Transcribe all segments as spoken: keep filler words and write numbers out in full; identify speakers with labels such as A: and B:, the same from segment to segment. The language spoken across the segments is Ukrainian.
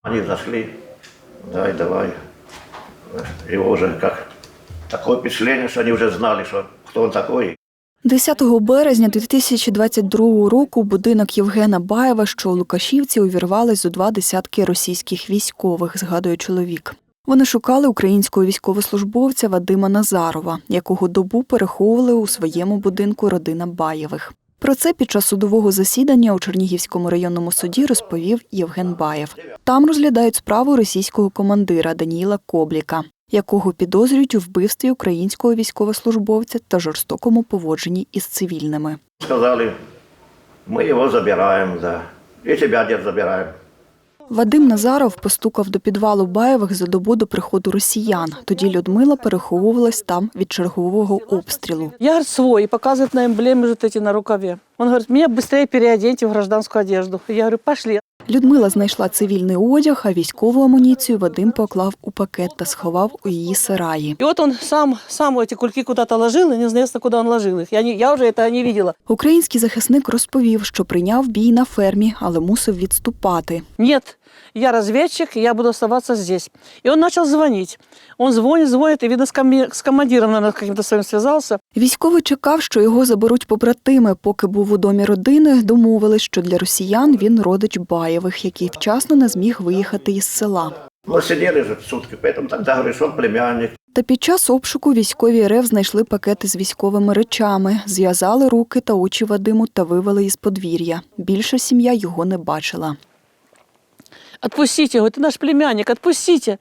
A: Они зашли, дай, давай. Его уже как такое впечатление, что они уже знали, что кто он такой.
B: десятого березня дві тисячі двадцять другого року в будинок Євгена Баєва, що у Лукашівці, увірвались зо два десятки російських військових, згадує чоловік. Вони шукали українського військовослужбовця Вадима Назарова, якого добу переховували у своєму будинку родина Баєвих. Про це під час судового засідання у Чернігівському районному суді розповів Євген Баєв. Там розглядають справу російського командира Даніїла Кобліка, якого підозрюють у вбивстві українського військовослужбовця та жорстокому поводженні із цивільними.
A: Сказали, ми його забираємо, да. І тебе дід забираємо.
B: Вадим Назаров постукав до підвалу Баєвих за добу до приходу росіян. Тоді Людмила переховувалась там від чергового обстрілу.
C: Я, говорит, свой, и показывает на эмблеме вот эти на рукаве. Он говорит, меня быстрее переоденьте в гражданскую одежду. Я говорю, пошли.
B: Людмила знайшла цивільний одяг, а військову амуніцію Вадим поклав у пакет та сховав у її сараї.
C: И вот он сам, сам эти кульки куда-то ложил, и неизвестно, куда он ложил их. Я, не, я уже это не видела.
B: Український захисник розповів, що прийняв бій на фермі, але мусив відступати.
C: Нет, я разведчик, я буду оставаться здесь. И он начал звонить. Он звонит, звонит, и, видно, с, коми- с командиром, наверное, каким-то своим связался.
B: Військовий чекав, що його заберуть побратими. Поки був у домі родини, домовились, що для росіян він родич Баєвих, який вчасно не зміг виїхати із села.
A: Ну, сидели же сутки, поэтому тогда говорю, что он племянник.
B: Та під час обшуку військові РФ знайшли пакети з військовими речами, зв'язали руки та очі Вадиму та вивели із подвір'я. Більше сім'я його не бачила.
C: Отпустите его, ты наш племянник, отпустите.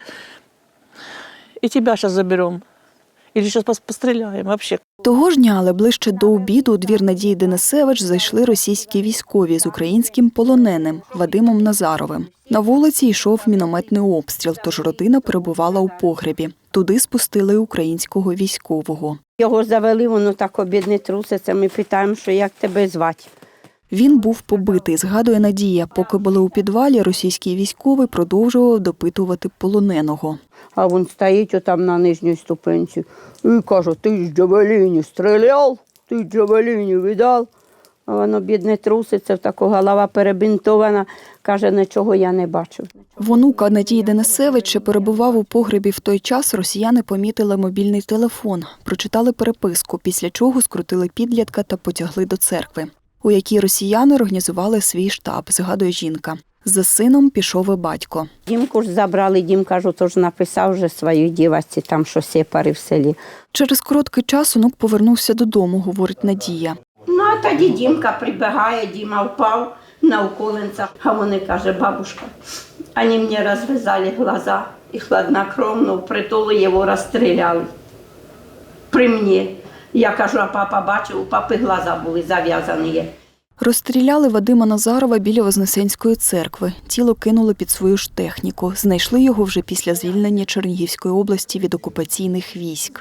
C: И тебя сейчас заберем. Или сейчас постреляем вообще.
B: Того ж дня, але ближче до обіду, у двір Надії Денисевич зайшли російські військові з українським полоненим Вадимом Назаровим. На вулиці йшов мінометний обстріл, тож родина перебувала у погребі. Туди спустили українського військового.
D: Його завели, воно так обідне труситься. Ми питаємо, що як тебе звати.
B: Він був побитий, згадує Надія. Поки були у підвалі, російський військовий продовжував допитувати полоненого.
D: А він стоїть отам на нижній ступенці і каже, ти з джавеліні стріляв, ти з джавеліні видав. А воно, бідне, труситься, така голова перебинтована, каже, нічого я не бачив.
B: В онука Надії Денисевич ще перебував у погребі в той час, росіяни помітили мобільний телефон, прочитали переписку, після чого скрутили підлітка та потягли до церкви, у якій росіяни організували свій штаб, згадує жінка. За сином пішов і батько.
D: Дімку ж забрали, Дім, кажу, тож написав вже своїй дівчинці, там що сепари в селі.
B: Через короткий час онук повернувся додому, говорить Надія.
D: Ну, а тоді Дімка прибігає, Діма впав на уколенцях. А вони, каже, бабушка, вони мені розв'язали глаза і хладнокровно в притулу його розстріляли. При мені. Я кажу, а папа бачив, у папи глаза були зав'язані.
B: Розстріляли Вадима Назарова біля Вознесенської церкви. Тіло кинули під свою ж техніку. Знайшли його вже після звільнення Чернігівської області від окупаційних військ.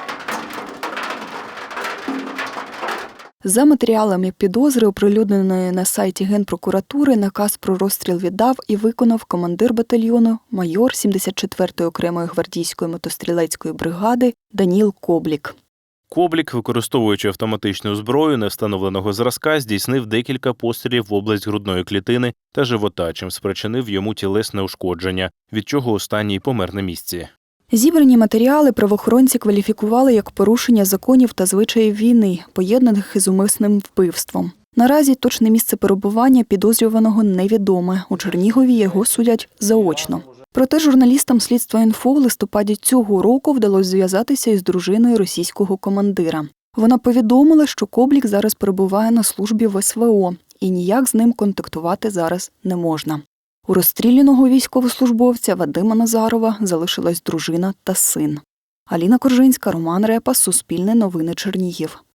B: За матеріалами підозри, оприлюдненої на сайті Генпрокуратури, наказ про розстріл віддав і виконав командир батальйону, майор сімдесят четвертої окремої гвардійської мотострілецької бригади Даніл Коблік.
E: Коблік, використовуючи автоматичну зброю невстановленого зразка, здійснив декілька пострілів в область грудної клітини та живота, чим спричинив йому тілесне ушкодження, від чого останній помер на місці.
B: Зібрані матеріали правоохоронці кваліфікували як порушення законів та звичаїв війни, поєднаних із умисним вбивством. Наразі точне місце перебування підозрюваного невідоме. У Чернігові його судять заочно. Проте журналістам «Слідства інфо» в листопаді цього року вдалося зв'язатися із дружиною російського командира. Вона повідомила, що Коблік зараз перебуває на службі в ес ве о і ніяк з ним контактувати зараз не можна. У розстріляного військовослужбовця Вадима Назарова залишилась дружина та син. Аліна Коржинська, Роман Репа, Суспільне новини, Чернігів.